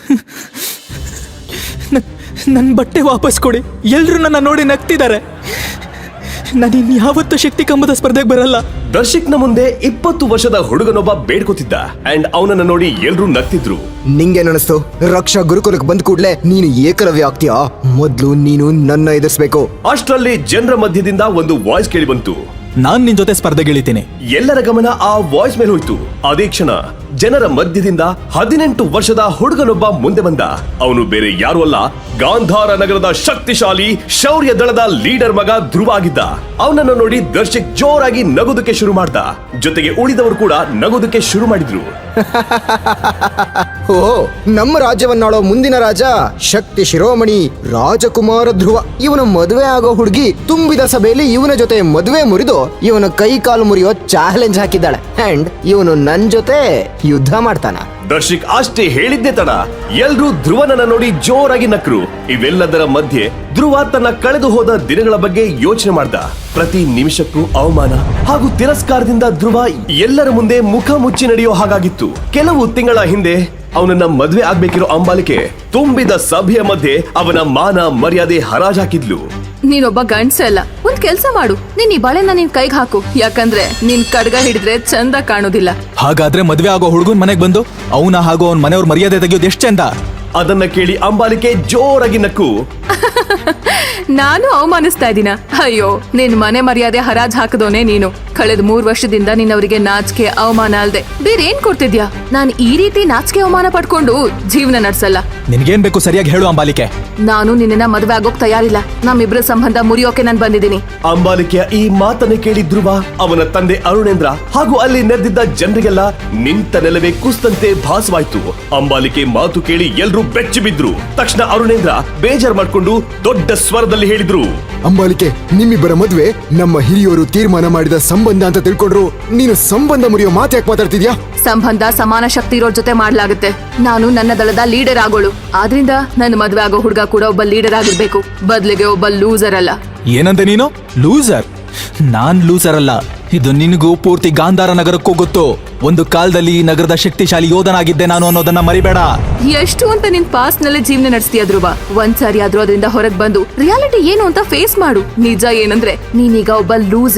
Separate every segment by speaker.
Speaker 1: ನನ್ನ ಬಟ್ಟೆ ವಾಪಸ್ ಕೊಡಿ. ಎಲ್ರು ನನ್ನ ನೋಡಿ ನಗ್ತಿದ್ದಾರೆ. ನಾನು ಇನ್ಯಾವತ್ತೂ ಶಕ್ತಿ ಕಂಬದ ಸ್ಪರ್ಧೆಗೆ ಬರಲ್ಲ.
Speaker 2: ದರ್ಶಕ್ನ ಮುಂದೆ 20 ವರ್ಷದ ಹುಡುಗನೊಬ್ಬ ಬೇಡ್ಕೋತಿದ್ದ ಅಂಡ್ ಅವನನ್ನ ನೋಡಿ ಎಲ್ರು ನಗ್ತಿದ್ರು.
Speaker 3: ನಿಂಗೇನನಿಸ್ತು? ರಕ್ಷಾ ಗುರುಕುಲಕ್ಕೆ ಬಂದ ಕೂಡ್ಲೆ ನೀನು ಏಕಲವ್ಯ ಆಗ್ತೀಯಾ? ಮೊದ್ಲು ನೀನು ನನ್ನ ಎದುರಿಸಬೇಕು.
Speaker 2: ಅಷ್ಟರಲ್ಲಿ ಜನರ ಮಧ್ಯದಿಂದ ಒಂದು ವಾಯ್ಸ್ ಕೇಳಿ ಬಂತು.
Speaker 1: ನಾನ್ ನಿನ್ ಜೊತೆ ಸ್ಪರ್ಧೆಗಿಳಿತೀನಿ.
Speaker 2: ಎಲ್ಲರ ಗಮನ ಆ ವಾಯ್ಸ್ ಮೇಲೆ ಹೋಯ್ತು. ಅದೇ ಕ್ಷಣ ಜನರ ಮಧ್ಯದಿಂದ 18 ವರ್ಷದ ಹುಡುಗನೊಬ್ಬ ಮುಂದೆ ಬಂದ. ಅವನು ಬೇರೆ ಯಾರು ಅಲ್ಲ, ಗಾಂಧಾರ ನಗರದ ಶಕ್ತಿಶಾಲಿ ಶೌರ್ಯ ದಳದ ಲೀಡರ್ ಮಗ ಧ್ರುವ ಆಗಿದ್ದ. ಅವನನ್ನು ನೋಡಿ ದರ್ಶಕ್ ಜೋರಾಗಿ ನಗೋದಕ್ಕೆ ಶುರು ಮಾಡ್ದ. ಜೊತೆಗೆ ಉಳಿದವರು ಕೂಡ ನಗೋದಕ್ಕೆ ಶುರು ಮಾಡಿದ್ರು.
Speaker 3: ಓ, ನಮ್ಮ ರಾಜ್ಯವನ್ನಾಳೋ ಮುಂದಿನ ರಾಜ ಶಕ್ತಿ ಶಿರೋಮಣಿ ರಾಜಕುಮಾರ ಧ್ರುವ. ಇವನ ಮದುವೆ ಆಗೋ ಹುಡುಗಿ ತುಂಬಿದ ಸಭೆಯಲ್ಲಿ ಇವನ ಜೊತೆ ಮದುವೆ ಮುರಿದು ಇವನ ಕೈ ಕಾಲು ಮುರಿಯೋ ಚಾಲೆಂಜ್ ಹಾಕಿದ್ದಾಳೆ. ಅಂಡ್ ಇವನು ನನ್ ಜೊತೆ ಯುದ್ಧ ಮಾಡ್ತಾನ.
Speaker 2: ದರ್ಶಕ್ ಅಷ್ಟೇ ಹೇಳಿದ್ದೆ ತಡ ಎಲ್ರೂ ಧ್ರುವನನ್ನ ನೋಡಿ ಜೋರಾಗಿ ನಕ್ರು. ಇವೆಲ್ಲದರ ಮಧ್ಯೆ ಧ್ರುವ ತನ್ನ ಕಳೆದು ಹೋದ ದಿನಗಳ ಬಗ್ಗೆ ಯೋಚನೆ ಮಾಡ್ದ. ಪ್ರತಿ ನಿಮಿಷಕ್ಕೂ ಅವಮಾನ ಹಾಗೂ ತಿರಸ್ಕಾರದಿಂದ ಧ್ರುವ ಎಲ್ಲರ ಮುಂದೆ ಮುಖ ಮುಚ್ಚಿ ನಡೆಯೋ ಹಾಗಾಗಿತ್ತು. ಕೆಲವು ತಿಂಗಳ ಹಿಂದೆ ಅವನನ್ನ ಮದ್ವೆ ಆಗ್ಬೇಕಿರೋ ಅಂಬಾಲಿಕೆ ತುಂಬಿದ ಸಭೆಯ ಮಧ್ಯೆ ಅವನ ಮಾನ ಮರ್ಯಾದೆ ಹರಾಜಾಕಿದ್ಲು.
Speaker 4: ನೀನೊಬ್ಬ ಗಂಡ್ಸ ಅಲ್ಲ, ಒಂದ್ ಕೆಲ್ಸ ಮಾಡು, ನೀನ್ ಈ ಬಾಳೆನ ನಿನ್ ಕೈಗೆ ಹಾಕು. ಯಾಕಂದ್ರೆ ನಿನ್ ಕಡ್ಗ ಹಿಡಿದ್ರೆ ಚಂದ ಕಾಣೋದಿಲ್ಲ.
Speaker 1: ಹಾಗಾದ್ರೆ ಮದ್ವೆ ಆಗೋ ಹುಡುಗನ್ ಮನೆಗ್ ಬಂದು ಅವನ ಹಾಗೂ ಅವನ್ ಮನೆಯವ್ರ ಮರ್ಯಾದೆ ತೆಗೆಯೋದು ಎಷ್ಟ್ ಚಂದ.
Speaker 2: ಅದನ್ನ ಕೇಳಿ ಅಂಬಾಲಿಕೆ ಜೋರಾಗಿ ನಕ್ಕು.
Speaker 4: ನಾನು ಅವಮಾನಿಸ್ತಾ ಇದ್ದೀನ? ಅಯ್ಯೋ, ನಿನ್ ಮನೆ ಮರ್ಯಾದೆ ಹರಾಜ್ ಹಾಕದೋನೆ ನೀನು. ಕಳೆದ 3 ವರ್ಷದಿಂದ ನಿನ್ನವರಿಗೆ ನಾಚಿಕೆ ಅವಮಾನ ಅಲ್ದೆ ಬೇರೆ ಏನ್ ಕೊಡ್ತಿದ್ಯಾ? ನಾನ್ ಈ ರೀತಿ ನಾಚಿಕೆ ಅವಮಾನ ಪಡ್ಕೊಂಡು ಜೀವನ ನಡ್ಸಲ್ಲ.
Speaker 1: ನಿನ್ಗೇನ್ ಬೇಕು ಸರಿಯಾಗಿ ಹೇಳು ಅಂಬಾಲಿಕೆ.
Speaker 4: ನಾನು ನಿನ್ನ ಮದುವೆ ಆಗೋಕ್ ತಯಾರಿಲ್ಲ. ನಮ್ಮಿಬ್ರ ಸಂಬಂಧ ಮುರಿಯೋಕೆ ನಾನ್ ಬಂದಿದ್ದೀನಿ.
Speaker 2: ಅಂಬಾಲಿಕೆಯ ಈ ಮಾತನ್ನ ಕೇಳಿ ಧ್ರುವ, ಅವನ ತಂದೆ ಅರುಣೇಂದ್ರ ಹಾಗೂ ಅಲ್ಲಿ ನೆರೆದಿದ್ದ ಜನರಿಗೆಲ್ಲ ನಿಂತ ನೆಲವೇ ಕುಸ್ತಂತೆ ಭಾಸವಾಯ್ತು. ಅಂಬಾಲಿಕೆ ಮಾತು ಕೇಳಿ ಎಲ್ರೂ ಬೆಚ್ಚಿ ಬಿದ್ರು. ತಕ್ಷಣ ಅರುಣೇಂದ್ರ ಬೇಜಾರ್ ಮಾಡ್ಕೊಂಡು ದೊಡ್ಡ ಸ್ವರದಲ್ಲಿ ಹೇಳಿದ್ರು,
Speaker 3: ಅಂಬಾಲಿಕೆ, ನಿಮ್ಮಿಬ್ಬರ ಮದುವೆ ನಮ್ಮ ಹಿರಿಯವರು ತೀರ್ಮಾನ ಮಾಡಿದ ಸಂಬಂಧ ಅಂತ ತಿಳ್ಕೊಂಡ್ರು. ನೀನು ಸಂಬಂಧ ಮುರಿಯೋ ಮಾತು ಯಾಕೆ ಮಾತಾಡ್ತಿದ್ಯಾ?
Speaker 4: ಸಂಬಂಧ ಸಮಾನ ಶಕ್ತಿ ಇರೋರ್ ಜೊತೆ ಮಾಡ್ಲಾಗುತ್ತೆ. ನಾನು ನನ್ನ ದಳದ ಲೀಡರ್ ಆಗೋಳು. ಆದ್ರಿಂದ ನನ್ನ ಮದ್ವೆ ಆಗೋ ಹುಡುಗ ಕೂಡ ಒಬ್ಬ ಲೀಡರ್ ಆಗಿರ್ಬೇಕು, ಬದ್ಲಿಗೆ ಒಬ್ಬ ಲೂಸರ್ ಅಲ್ಲ.
Speaker 1: ಏನಂತೆ ನೀನು? ಲೂಸರ್? ನಾನ್ ಲೂಸರ್ ಅಲ್ಲ. ಇದು ನಿನಗೂ ಪೂರ್ತಿ ಗಾಂಧಾರ ನಗರಕ್ಕೂ ಗೊತ್ತು. ಒಂದು ಕಾಲದಲ್ಲಿ ಈ ನಗರದ ಶಕ್ತಿಶಾಲಿ ಯೋಧನಾಗಿದ್ದೆ ನಾನು ಅನ್ನೋದನ್ನ ಮರಿಬೇಡ.
Speaker 4: ಎಷ್ಟು ಅಂತ ನಿನ್ ಪಾಸ್ಟ್ ನಲ್ಲಿ ಜೀವನ ನಡೆಸ್ತೀಯ ಧ್ರುವ? ಒಂದ್ಸಾರಿ ಆದ್ರೂ ಅದರಿಂದ ಹೊರಗ್ ಬಂದು ರಿಯಾಲಿಟಿ ಏನು ಅಂತ ಫೇಸ್ ಮಾಡು. ನಿಜ ಏನಂದ್ರೆ ನೀನೀಗ ಒಬ್ಬ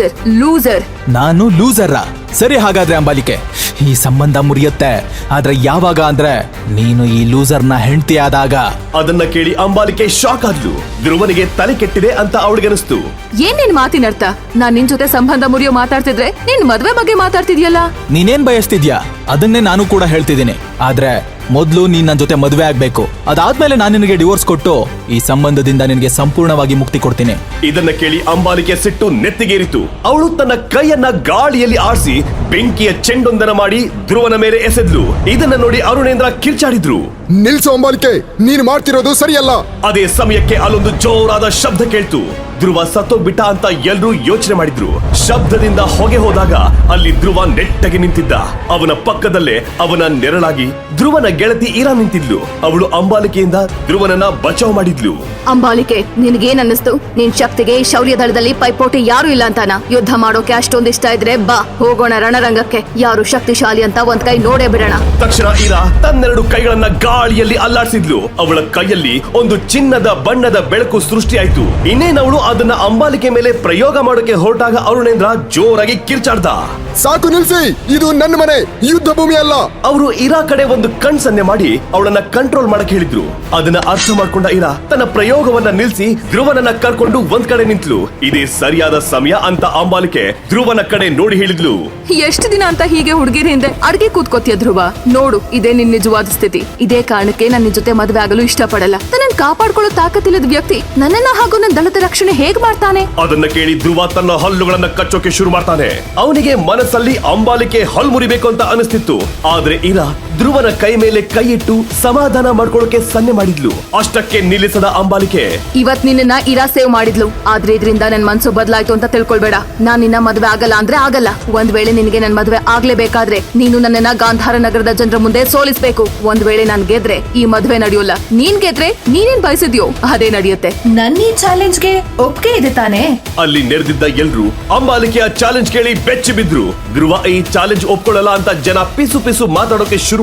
Speaker 4: ಲೂಸರ್.
Speaker 1: ನಾನು ಲೂಸರ? ಸರಿ, ಹಾಗಾದ್ರೆ ಅಂಬಾಲಿಕೆ, ಈ ಸಂಬಂಧ ಮುರಿಯುತ್ತೆ. ಆದ್ರೆ ಯಾವಾಗ ಅಂದ್ರೆ ನೀನು ಈ ಲೂಸರ್ನ ಹೆಂಡತಿ ಆದಾಗ.
Speaker 2: ಅದನ್ನ ಕೇಳಿ ಅಂಬಾಲಿಕೆ ಶಾಕ್ ಆದ್ಲು. ಧ್ರುವನಿಗೆ ತಲೆ ಕೆಟ್ಟಿದೆ ಅಂತ ಅವಳಿಗನಿಸ್ತು.
Speaker 4: ಏನ್ ನಿನ್ ಮಾತಿನ ಅರ್ಥ? ನಾನ್ ನಿನ್ ಜೊತೆ ಸಂಬಂಧ ಮುರಿಯೋ ಮಾತಾಡ್ತಿದ್ರೆ ನಿನ್ ಮದ್ವೆ ಬಗ್ಗೆ ಮಾತಾಡ್ತಿದ್ಯಲ್ಲ.
Speaker 1: ನೀನೇನ್ ಬಯಸ್ತಿದ್ಯಾ ಅದನ್ನೇ ನಾನು ಕೂಡ ಹೇಳ್ತಿದ್ದೀನಿ. ಆದ್ರೆ ಮೊದ್ಲು ನೀನ್ ನನ್ನ ಜೊತೆ ಮದುವೆ ಆಗ್ಬೇಕು. ಅದಾದ್ಮೇಲೆ ನಾನು ನಿನಗೆ ಡಿವೋರ್ಸ್ ಕೊಟ್ಟು ಈ ಸಂಬಂಧದಿಂದ ನಿನಗೆ ಸಂಪೂರ್ಣವಾಗಿ ಮುಕ್ತಿ ಕೊಡ್ತೀನಿ.
Speaker 2: ಇದನ್ನ ಕೇಳಿ ಅಂಬಾಲಿಕೆ ಸಿಟ್ಟು ನೆತ್ತಿಗೇರಿತು. ಅವಳು ತನ್ನ ಕೈಯನ್ನ ಗಾಳಿಯಲ್ಲಿ ಆಡಿಸಿ ಬೆಂಕಿಯ ಚೆಂಡೊಂದನ ಮಾಡಿ ಧ್ರುವನ ಮೇಲೆ ಎಸೆದ್ಲು. ಇದನ್ನ ನೋಡಿ ಅರುಣೇಂದ್ರ ಕಿರ್ಚಾಡಿದ್ರು.
Speaker 3: ನಿಲ್ಸು ಅಂಬಾಲಿಕೆ, ನೀನು ಮಾಡ್ತಿರೋದು ಸರಿಯಲ್ಲ.
Speaker 2: ಅದೇ ಸಮಯಕ್ಕೆ ಅಲ್ಲೊಂದು ಜೋರಾದ ಶಬ್ದ ಕೇಳ್ತು. ಧ್ರುವ ಸತ್ತೋಗ್ಬಿಟ್ಟ ಅಂತ ಎಲ್ರೂ ಯೋಚನೆ ಮಾಡಿದ್ರು. ಶಬ್ದದಿಂದ ಹೊಗೆ ಹೋದಾಗ ಅಲ್ಲಿ ಧ್ರುವ ನೆಟ್ಟಗೆ ನಿಂತಿದ್ದ. ಅವನ ಪಕ್ಕದಲ್ಲೇ ಅವನ ನೆರಳಾಗಿ ಧ್ರುವನ ಗೆಳತಿ ಇರಾ ನಿಂತಿದ್ಲು. ಅವಳು ಅಂಬಾಲಿಕೆಯಿಂದ ಧ್ರುವನನ್ನ ಬಚಾವ್ ಮಾಡಿದ್ಲು.
Speaker 4: ಅಂಬಾಲಿಕೆ, ನಿನ್ಗೇನ್ ಅನ್ನಿಸ್ತು? ನಿನ್ ಶಕ್ತಿಗೆ ಈ ಶೌರ್ಯ ದಳದಲ್ಲಿ ಪೈಪೋಟಿ ಯಾರು ಇಲ್ಲ ಅಂತಾನ? ಯುದ್ಧ ಮಾಡೋಕೆ ಅಷ್ಟೊಂದ್ ಇಷ್ಟ ಇದ್ರೆ ಬಾ, ಹೋಗೋಣ ರಣರಂಗಕ್ಕೆ. ಯಾರು ಶಕ್ತಿಶಾಲಿ ಅಂತ ಒಂದ್ ಕೈ ನೋಡೇ ಬಿಡೋಣ.
Speaker 2: ತಕ್ಷಣ ಇರಾ ತನ್ನೆರಡು ಕೈಗಳನ್ನ ಗಾಳಿಯಲ್ಲಿ ಅಲ್ಲಾಡಿಸಿದ್ಲು. ಅವಳ ಕೈಯಲ್ಲಿ ಒಂದು ಚಿನ್ನದ ಬಣ್ಣದ ಬೆಳಕು ಸೃಷ್ಟಿಯಾಯ್ತು. ಇನ್ನೇನವಳು ಅದನ್ನ ಅಂಬಾಲಿಕೆ ಮೇಲೆ ಪ್ರಯೋಗ ಮಾಡೋಕೆ ಹೊರಟಾಗ ಅರುಣೇಂದ್ರ ಜೋರಾಗಿ ಕಿರ್ಚಾಡ್ದ.
Speaker 3: ಸಾಕು, ನಿಲ್ಸಿ, ಇದು ನನ್ನ ಮನೆ, ಯುದ್ಧ ಭೂಮಿ ಅಲ್ಲ.
Speaker 2: ಅವರು ಇರಾ ಕಡೆ ಒಂದು ಕಣ್ ಸನ್ನೆ ಮಾಡಿ ಅವಳನ್ನ ಕಂಟ್ರೋಲ್ ಮಾಡಕ್ ಹೇಳಿದ್ರು. ಅದನ್ನ ಅರ್ಥ ಮಾಡ್ಕೊಂಡ ಇರಾ ತನ್ನ ಪ್ರಯೋಗವನ್ನ ನಿಲ್ಸಿ ಧ್ರುವನನ್ನ ಕರ್ಕೊಂಡು ಒಂದ್ ಕಡೆ ನಿಂತ್ಲು. ಇದೇ ಸರಿಯಾದ ಸಮಯ ಅಂತ ಅಂಬಾಲಿಕೆ ಧ್ರುವನ ಕಡೆ ನೋಡಿ ಹೇಳಿದ್ಲು.
Speaker 4: ಎಷ್ಟು ದಿನ ಅಂತ ಹೀಗೆ ಹುಡುಗಿರ ಹಿಂದೆ ಅಡ್ಗೆ ಕೂತ್ಕೋತಿಯ ಧ್ರುವ? ನೋಡು, ಇದೇ ನಿನ್ ನಿಜವಾದ ಸ್ಥಿತಿ. ಇದೇ ಕಾರಣಕ್ಕೆ ನನ್ನ ಜೊತೆ ಮದುವೆ ಆಗಲು ಇಷ್ಟಪಡಲ್ಲ. ನನ್ನನ್ನು ಕಾಪಾಡ್ಕೊಳ್ಳೋ ತಾಕತ್ತಿಲ್ಲದ ವ್ಯಕ್ತಿ ನನ್ನನ್ನ ಹಾಗೂ ನನ್ನ ದಳದ ರಕ್ಷಣೆ ಹೇಗ್ ಮಾಡ್ತಾನೆ?
Speaker 2: ಅದನ್ನ ಕೇಳಿ ಧ್ರುವ ತನ್ನ ಹಲ್ಲುಗಳನ್ನ ಕಚ್ಚೋಕೆ ಶುರು ಮಾಡ್ತಾನೆ. ಅವನಿಗೆ ಮನಸ್ಸಲ್ಲಿ ಅಂಬಾಲಿಕೆ ಹಲ್ಲು ಮುರಿಬೇಕು ಅಂತ ಅನಿಸ್ತಿತ್ತು. ಆದ್ರೆ ಇರಾ ಧ್ರುವನ ಕೈ ಮೇಲೆ ಕೈ ಇಟ್ಟು ಸಮಾಧಾನ ಮಾಡ್ಕೊಳ್ಳೋಕೆ ಸನ್ನೆ ಮಾಡಿದ್ಲು. ಅಷ್ಟಕ್ಕೆ ನಿಲ್ಲಿಸದ ಅಂಬಾಲಿಕೆ,
Speaker 4: ಇವತ್ ನಿನ್ನ ಇರಾ ಸೇವ್ ಮಾಡಿದ್ಲು. ಆದ್ರೆ ಇದರಿಂದ ನನ್ ಮನ್ಸು ಬದಲಾಯ್ತು ಅಂತ ತಿಳ್ಕೊಳ್ಬೇಡ. ನಾನ್ ನಿನ್ನ ಮದ್ವೆ ಆಗಲ್ಲ ಅಂದ್ರೆ ಆಗಲ್ಲ. ಒಂದ್ ವೇಳೆ ನಿನಗೆ ನನ್ ಮದ್ವೆ ಆಗ್ಲೇಬೇಕಾದ್ರೆ ನೀನು ನನ್ನನ್ನ ಗಾಂಧಾರ ನಗರದ ಜನರ ಮುಂದೆ ಸೋಲಿಸ್ಬೇಕು. ಒಂದ್ ವೇಳೆ ನಾನ್ ಗೆದ್ರೆ ಈ ಮದ್ವೆ ನಡೆಯೋಲ್ಲ. ನೀನ್ ಗೆದ್ರೆ ನೀನೇನ್ ಬಯಸಿದ್ಯೋ ಅದೇ ನಡೆಯುತ್ತೆ.
Speaker 5: ನನ್ನ ಈ ಚಾಲೆಂಜ್ಗೆ ಒಪ್ಪಿಗೆ ಇದೆ ತಾನೇ?
Speaker 2: ಅಲ್ಲಿ ನೆರೆದಿದ್ದ ಎಲ್ರು ಅಂಬಾಲಿಕೆಯ ಚಾಲೆಂಜ್ ಕೇಳಿ ಬೆಚ್ಚಿ ಬಿದ್ರು. ಧ್ರುವ ಈ ಚಾಲೆಂಜ್ ಒಪ್ಕೊಳ್ಳಲ್ಲ ಅಂತ ಜನ ಪಿಸು ಪಿಸು ಮಾತಾಡೋಕೆ ಶುರು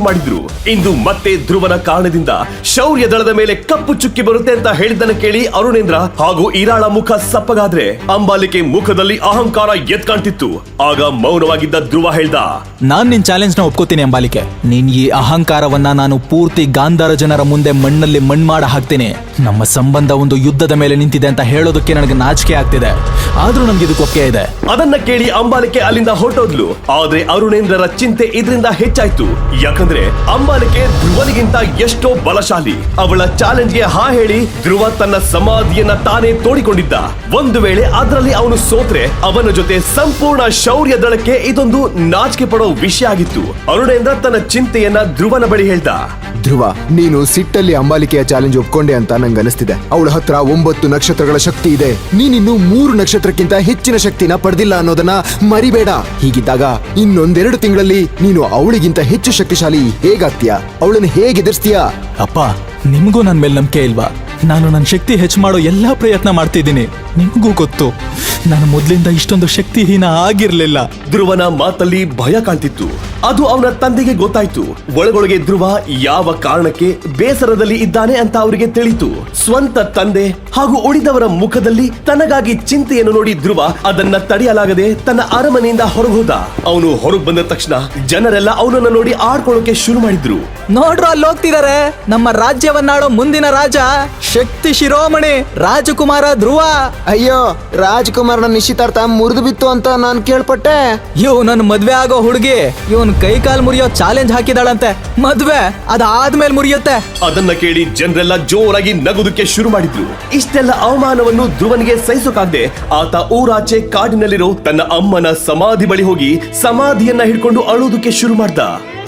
Speaker 2: ಮಾಡಿದ್ರು. ಇಂದು ಮತ್ತೆ ಧ್ರುವನ ಕಾರಣದಿಂದ ಶೌರ್ಯ ದಳದ ಮೇಲೆ ಕಪ್ಪು ಚುಕ್ಕಿ ಬರುತ್ತೆ ಅಂತ ಹೇಳಿದ್ದನ್ನು ಕೇಳಿ ಅರುಣೇಂದ್ರ ಹಾಗೂ ಇರಾಳ ಮುಖ ಸಪ್ಪಗಾದ್ರೆ ಅಂಬಾಲಿಕೆ ಮುಖದಲ್ಲಿ ಅಹಂಕಾರ ಎದ್ ಕಾಣ್ತಿತ್ತು. ಆಗ ಮೌನವಾಗಿದ್ದ ಧ್ರುವ ಹೇಳ್ದ,
Speaker 1: ನಾನ್ ನಿನ್ ಚಾಲೆಂಜ್ ನ ಒಪ್ಕೋತೀನಿ ಅಂಬಾಲಿಕೆ. ನೀನ್ ಈ ಅಹಂಕಾರವನ್ನ ನಾನು ಪೂರ್ತಿ ಗಾಂಧಾರ ಜನರ ಮುಂದೆ ಮಣ್ಣಲ್ಲಿ ಮಣ್ಣಾಡ ಹಾಕ್ತೀನಿ. ನಮ್ಮ ಸಂಬಂಧ ಒಂದು ಯುದ್ಧದ ಮೇಲೆ ನಿಂತಿದೆ ಅಂತ ಹೇಳೋದಕ್ಕೆ ನನಗೆ ನಾಚಿಕೆ ಆಗ್ತಿದೆ, ಆದ್ರೂ ನನ್ಗೆ ಇದಕ್ಕೆ ಒಪ್ಪಿಗೆ ಇದೆ.
Speaker 2: ಅದನ್ನ ಕೇಳಿ ಅಂಬಾಲಿಕೆ ಅಲ್ಲಿಂದ ಹೊರಟೋದ್ಲು. ಆದ್ರೆ ಅರುಣೇಂದ್ರರ ಚಿಂತೆ ಇದರಿಂದ ಹೆಚ್ಚಾಯ್ತು. ಯಾಕಂದ್ರೆ ಅಂಬಾಲಿಕೆ ಧ್ರುವನಿಗಿಂತ ಎಷ್ಟೋ ಬಲಶಾಲಿ. ಅವಳ ಚಾಲೆಂಜ್ಗೆ ಹಾ ಹೇಳಿ ಧ್ರುವ ತನ್ನ ಸಮಾಧಿಯನ್ನ ತಾನೇ ತೋಡಿಕೊಂಡಿದ್ದ. ಒಂದು ವೇಳೆ ಅದರಲ್ಲಿ ಅವನು ಸೋತ್ರೆ ಅವನ ಜೊತೆ ಸಂಪೂರ್ಣ ಶೌರ್ಯ ದಳಕ್ಕೆ ಇದೊಂದು ನಾಚಿಕೆ ಪಡೋ ವಿಷಯ ಆಗಿತ್ತು. ಅರುಣೇಂದ್ರ ತನ್ನ ಚಿಂತೆಯನ್ನ ಧ್ರುವನ ಬಳಿ ಹೇಳ್ದ.
Speaker 3: ಧ್ರುವ, ನೀನು ಸಿಟ್ಟಲ್ಲಿ ಅಂಬಾಲಿಕೆಯ ಚಾಲೆಂಜ್ ಒಪ್ಕೊಂಡೆ ಅಂತ ನಂಗೆ ಅನಿಸ್ತಿದೆ. ಅವಳ ಹತ್ರ 9 ನಕ್ಷತ್ರಗಳ ಶಕ್ತಿ ಇದೆ. ನೀನಿನ್ನು 3 ನಕ್ಷತ್ರಕ್ಕಿಂತ ಹೆಚ್ಚಿನ ಶಕ್ತಿನ ಪಡೆದಿಲ್ಲ ಅನ್ನೋದನ್ನ ಮರಿಬೇಡ. ಹೀಗಿದ್ದಾಗ ಇನ್ನೊಂದೆರಡು ತಿಂಗಳಲ್ಲಿ ನೀನು ಅವಳಿಗಿಂತ ಹೆಚ್ಚು ಶಕ್ತಿಶಾಲಿ ಹೇಗಾಗ್ತೀಯಾ? ಅವಳನ್ನು ಹೇಗೆ ಎದುರಿಸ್ತೀಯಾ?
Speaker 1: ಅಪ್ಪ, ನಿಮ್ಗೂ ನನ್ ಮೇಲೆ ನಂಬಿಕೆ ಇಲ್ವಾ? ನಾನು ನನ್ನ ಶಕ್ತಿ ಹೆಚ್ಚು ಮಾಡೋ ಎಲ್ಲಾ ಪ್ರಯತ್ನ ಮಾಡ್ತಿದ್ದೀನಿ. ನಿಮಗೂ ಗೊತ್ತು, ನಾನು ಮೊದ್ಲಿಂದ ಇಷ್ಟೊಂದು ಶಕ್ತಿಹೀನ ಆಗಿರ್ಲಿಲ್ಲ.
Speaker 2: ಧ್ರುವನ ಮಾತಲ್ಲಿ ಭಯ ಕಾಣ್ತಿತ್ತು. ಅದು ಅವನ ತಂದೆಗೆ ಗೊತ್ತಾಯ್ತು. ಒಳಗೊಳಗೆ ಧ್ರುವ ಯಾವ ಕಾರಣಕ್ಕೆ ಬೇಸರದಲ್ಲಿ ಇದ್ದಾನೆ ಅಂತ ಅವರಿಗೆ ತಿಳಿತು. ಸ್ವಂತ ತಂದೆ ಹಾಗೂ ಉಳಿದವರ ಮುಖದಲ್ಲಿ ತನಗಾಗಿ ಚಿಂತೆಯನ್ನು ನೋಡಿ ಧ್ರುವ ಅದನ್ನ ತಡೆಯಲಾಗದೆ ತನ್ನ ಅರಮನೆಯಿಂದ ಹೊರಗೋದ. ಅವನು ಹೊರಗೆ ಬಂದ ತಕ್ಷಣ ಜನರೆಲ್ಲ ಅವನನ್ನ ನೋಡಿ ಆಡ್ಕೊಳ್ಳೋಕೆ ಶುರು ಮಾಡಿದ್ರು.
Speaker 1: ನೋಡ್ರು, ಅಲ್ಲಿ ಹೋಗ್ತಿದಾರೆ ನಮ್ಮ ರಾಜ್ಯವನ್ನಾಡೋ ಮುಂದಿನ ರಾಜ, ಶಕ್ತಿ ಶಿರೋಮಣಿ ರಾಜಕುಮಾರ ಧ್ರುವ.
Speaker 3: ಅಯ್ಯೋ, ರಾಜ್ಕುಮಾರನ ನಿಶ್ಚಿತಾರ್ಥ ಮುರಿದು ಬಿತ್ತು ಅಂತ ನಾನು ಕೇಳ್ಪಟ್ಟೆ.
Speaker 1: ಇವ್ ನನ್ ಮದ್ವೆ ಆಗೋ ಹುಡುಗಿ ಇವನ್ ಕೈ ಕಾಲ್ ಮುರಿಯೋ ಚಾಲೆಂಜ್ ಹಾಕಿದಾಳಂತೆ. ಮದ್ವೆ ಅದಾದ್ಮೇಲೆ ಮುರಿಯುತ್ತೆ.
Speaker 2: ಅದನ್ನ ಕೇಳಿ ಜನರೆಲ್ಲ ಜೋರಾಗಿ ನಗುದಕ್ಕೆ ಶುರು ಮಾಡಿದ್ರು. ಇಷ್ಟೆಲ್ಲ ಅವಮಾನವನ್ನು ಧ್ರುವನಿಗೆ ಸಹಿಸೋಕಾಗದೆ ಆತ ಊರಾಚೆ ಕಾಡಿನಲ್ಲಿರೋ ತನ್ನ ಅಮ್ಮನ ಸಮಾಧಿ ಬಳಿ ಹೋಗಿ ಸಮಾಧಿಯನ್ನ ಹಿಡ್ಕೊಂಡು ಅಳೋದಕ್ಕೆ ಶುರು ಮಾಡ್ದ.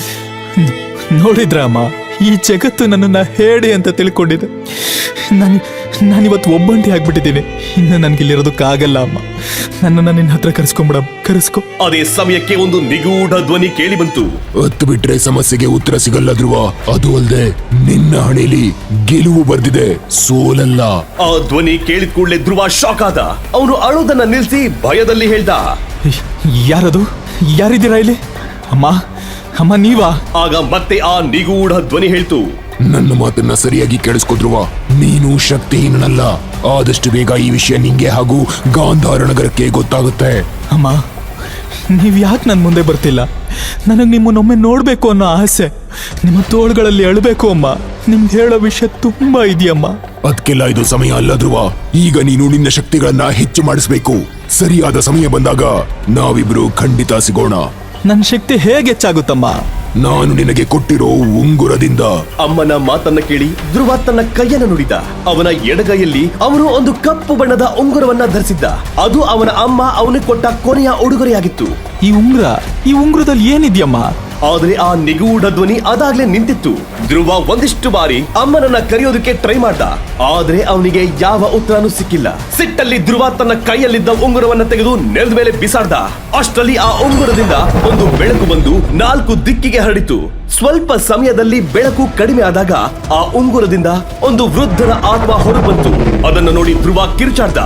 Speaker 1: ನೋಡಿದ್ರ ಅಮ್ಮ, ಈ ಜಗತ್ತು ನನ್ನನ್ನ ಹೇಳಿ ಅಂತ ತಿಳ್ಕೊಂಡಿದೆ. ನಾನಿವತ್ತು ಒಬ್ಬಂಟಿ ಆಗ್ಬಿಟ್ಟಿದ್ದೀನಿ. ಇನ್ನು ನನ್ಗಿಲ್ಲಿರೋದಕ್ಕಾಗಲ್ಲ ಅಮ್ಮ. ನನ್ನನ್ನ ನಿನ್ನ ಹತ್ರ ಕರೆಸ್ಕೊಂಬಿಡ, ಕರೆಸ್ಕೊ.
Speaker 2: ಅದೇ ಸಮಯಕ್ಕೆ ಒಂದು ನಿಗೂಢ ಧ್ವನಿ ಕೇಳಿ ಬಂತು.
Speaker 6: ಹತ್ತು ಬಿಟ್ರೆ ಸಮಸ್ಯೆಗೆ ಉತ್ತರ ಸಿಗಲ್ಲ ಧ್ರುವ. ಅದು ಅಲ್ಲದೆ ನಿನ್ನ ಹಣೆಯಲ್ಲಿ ಗೆಲುವು ಬರ್ದಿದೆ, ಸೋಲಲ್ಲ.
Speaker 2: ಆ ಧ್ವನಿ ಕೇಳಿದ ಕೂಡಲೇ ಧ್ರುವ ಶಾಕ್ ಆದ. ಅವನು ಅಳೋದನ್ನ ನಿಲ್ಸಿ ಭಯದಲ್ಲಿ ಹೇಳ್ದ,
Speaker 1: ಯಾರದು? ಯಾರಿದ್ದೀರಾ ಇಲ್ಲಿ? ಅಮ್ಮ, ಅಮ್ಮ ನೀವಾ?
Speaker 2: ಆಗ ಮತ್ತೆ ಆ ನಿಗೂಢ ಧ್ವನಿ ಹೇಳ್ತು,
Speaker 6: ನನ್ನ ಮಾತನ್ನ ಸರಿಯಾಗಿ ಕೇಳಿಸ್ಕೊ ಧ್ರುವ. ನೀನು ಶಕ್ತಿಹೀನನಲ್ಲ. ಆದಷ್ಟು ಬೇಗ ಈ ವಿಷಯ ನಿಂಗೆ ಹಾಗೂ ಗಾಂಧಾರ ನಗರಕ್ಕೆ ಗೊತ್ತಾಗುತ್ತೆ.
Speaker 1: ಅಮ್ಮ, ನೀವ್ ಯಾಕೆ ನನ್ ಮುಂದೆ ಬರ್ತಿಲ್ಲ? ನನಗ್ ನಿಮ್ಮನ್ನೊಮ್ಮೆ ನೋಡ್ಬೇಕು ಅನ್ನೋ ಆಸೆ. ನಿಮ್ಮ ತೋಳುಗಳಲ್ಲಿ ಅಳ್ಬೇಕು ಅಮ್ಮ. ನಿಮ್ಗೆ ಹೇಳೋ ವಿಷಯ ತುಂಬಾ ಇದೆಯಮ್ಮ.
Speaker 6: ಅದಕ್ಕೆಲ್ಲ ಇದು ಸಮಯ ಅಲ್ಲ ಧ್ರುವ. ಈಗ ನೀನು ನಿನ್ನ ಶಕ್ತಿಗಳನ್ನ ಹೆಚ್ಚು ಮಾಡಿಸ್ಬೇಕು. ಸರಿಯಾದ ಸಮಯ ಬಂದಾಗ ನಾವಿಬ್ರು ಖಂಡಿತ ಸಿಗೋಣ.
Speaker 1: ನನ್ನ ಶಕ್ತಿ ಹೇಗೆ ಹೆಚ್ಚಾಗುತ್ತಮ್ಮ?
Speaker 6: ನಾನು ನಿನಗೆ ಕೊಟ್ಟಿರೋ ಉಂಗುರದಿಂದ.
Speaker 2: ಅಮ್ಮನ ಮಾತನ್ನ ಕೇಳಿ ಧ್ರುವ ತನ್ನ ಕೈಯನ್ನು ನುಡಿದ. ಅವನ ಎಡಗೈಯಲ್ಲಿ ಅವನು ಒಂದು ಕಪ್ಪು ಬಣ್ಣದ ಉಂಗುರವನ್ನ ಧರಿಸಿದ್ದ. ಅದು ಅವನ ಅಮ್ಮ ಅವನಿಗೆ ಕೊಟ್ಟ ಕೊನೆಯ ಉಡುಗೊರೆಯಾಗಿತ್ತು.
Speaker 1: ಈ ಉಂಗುರದಲ್ಲಿ ಏನಿದ್ಯಮ್ಮ?
Speaker 2: ಆದ್ರೆ ಆ ನಿಗೂಢ ಧ್ವನಿ ಅದಾಗ್ಲೇ ನಿಂತಿತ್ತು. ಧ್ರುವ ಒಂದಿಷ್ಟು ಬಾರಿ ಅಮ್ಮನನ್ನ ಕರೆಯೋದಕ್ಕೆ ಟ್ರೈ ಮಾಡ್ದ. ಆದ್ರೆ ಅವನಿಗೆ ಯಾವ ಉತ್ತರನೂ ಸಿಕ್ಕಿಲ್ಲ. ಸಿಟ್ಟಲ್ಲಿ ಧ್ರುವ ತನ್ನ ಕೈಯಲ್ಲಿದ್ದ ಉಂಗುರವನ್ನ ತೆಗೆದು ನೆಲದ ಮೇಲೆ ಬಿಸಾಡ್ದ. ಅಷ್ಟರಲ್ಲಿ ಆ ಉಂಗುರದಿಂದ ಒಂದು ಬೆಳಕು ಬಂದು 4 ದಿಕ್ಕಿಗೆ ಹರಡಿತು. ಸ್ವಲ್ಪ ಸಮಯದಲ್ಲಿ ಬೆಳಕು ಕಡಿಮೆ ಆದಾಗ ಆ ಉಂಗುರದಿಂದ ಒಂದು ವೃದ್ಧನ ಆತ್ಮ ಹೊರಬಂತು. ಅದನ್ನು ನೋಡಿ ಧ್ರುವ ಕಿರುಚಾಡ್ದ.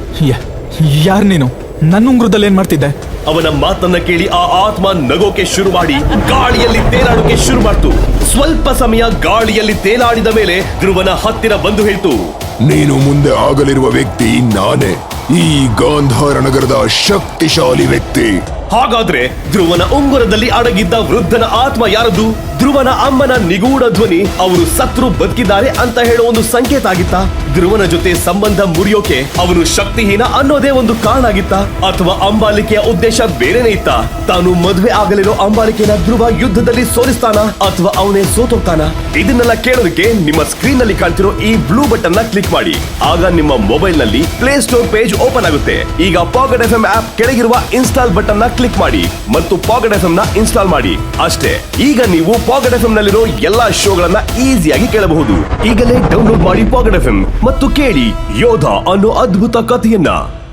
Speaker 1: ಯಾರ್ ನೀನು? ನನ್ನ ಉಂಗುರದಲ್ಲಿ ಏನ್ ಮಾಡ್ತಿದ್ದೆ?
Speaker 2: ಅವನ ಮಾತನ್ನ ಕೇಳಿ ಆ ಆತ್ಮ ನಗೋಕೆ ಶುರು ಮಾಡಿ ಗಾಳಿಯಲ್ಲಿ ತೇಲಾಡೋಕೆ ಶುರು ಮಾಡ್ತು. ಸ್ವಲ್ಪ ಸಮಯ ಗಾಳಿಯಲ್ಲಿ ತೇಲಾಡಿದ ಮೇಲೆ ಧ್ರುವನ ಹತ್ತಿರ ಬಂದು ಹೇಳ್ತು,
Speaker 6: ನೀನು ಮುಂದೆ ಆಗಲಿರುವ ವ್ಯಕ್ತಿ ನಾನೇ, ಈ ಗಾಂಧಾರ ನಗರದ ಶಕ್ತಿಶಾಲಿ ವ್ಯಕ್ತಿ.
Speaker 2: ಹಾಗಾದ್ರೆ ಧ್ರುವನ ಉಂಗುರದಲ್ಲಿ ಅಡಗಿದ್ದ ವೃದ್ಧನ ಆತ್ಮ ಯಾರದು? ಧ್ರುವನ ಅಮ್ಮನ ನಿಗೂಢ ಧ್ವನಿ ಅವರು ಸತ್ರು ಬದುಕಿದ್ದಾರೆ ಅಂತ ಹೇಳೋ ಒಂದು ಸಂಕೇತ ಆಗಿತ್ತಾ? ಧ್ರುವನ ಜೊತೆ ಸಂಬಂಧ ಮುರಿಯೋಕೆ ಅವನು ಶಕ್ತಿಹೀನ ಅನ್ನೋದೇ ಒಂದು ಕಾರಣ ಆಗಿತ್ತಾ? ಅಥವಾ ಅಂಬಾಲಿಕೆಯ ಉದ್ದೇಶ ಬೇರೆನೇ ಇತ್ತಾ? ತಾನು ಮದುವೆ ಆಗಲಿರೋ ಅಂಬಾಲಿಕೆನ ಧ್ರುವ ಯುದ್ಧದಲ್ಲಿ ಸೋಲಿಸ್ತಾನ ಅಥವಾ ಅವನೇ ಸೋತೋಗ್ತಾನ? ಇದನ್ನೆಲ್ಲ ಕೇಳೋದಕ್ಕೆ ನಿಮ್ಮ ಸ್ಕ್ರೀನ್ ನಲ್ಲಿ ಕಾಣ್ತಿರೋ ಈ ಬ್ಲೂ ಬಟನ್ ನ ಕ್ಲಿಕ್ ಮಾಡಿ. ಆಗ ನಿಮ್ಮ ಮೊಬೈಲ್ ನಲ್ಲಿ ಪ್ಲೇ ಸ್ಟೋರ್ ಪೇಜ್ ಓಪನ್ ಆಗುತ್ತೆ. ಈಗ ಪಾಕೆಟ್ FM ಆಪ್ ಕೆಳಗಿರುವ ಇನ್ಸ್ಟಾಲ್ ಬಟನ್ ನ ಕ್ಲಿಕ್ ಮಾಡಿ ಮತ್ತು ಪಾಕೆಟ್ FM ನ ಇನ್ಸ್ಟಾಲ್ ಮಾಡಿ. ಅಷ್ಟೇ, ಈಗ ನೀವು ಪಾಕೆಟ್ FM ನಲ್ಲಿರೋ ಎಲ್ಲಾ ಶೋಗಳನ್ನ ಈಸಿಯಾಗಿ ಕೇಳಬಹುದು. ಈಗಲೇ ಡೌನ್ಲೋಡ್ ಮಾಡಿ ಪಾಕೆಟ್ FM ಮತ್ತು ಕೇಳಿ ಯೋಧ ಅನ್ನೋ ಅದ್ಭುತ ಕಥೆಯನ್ನ.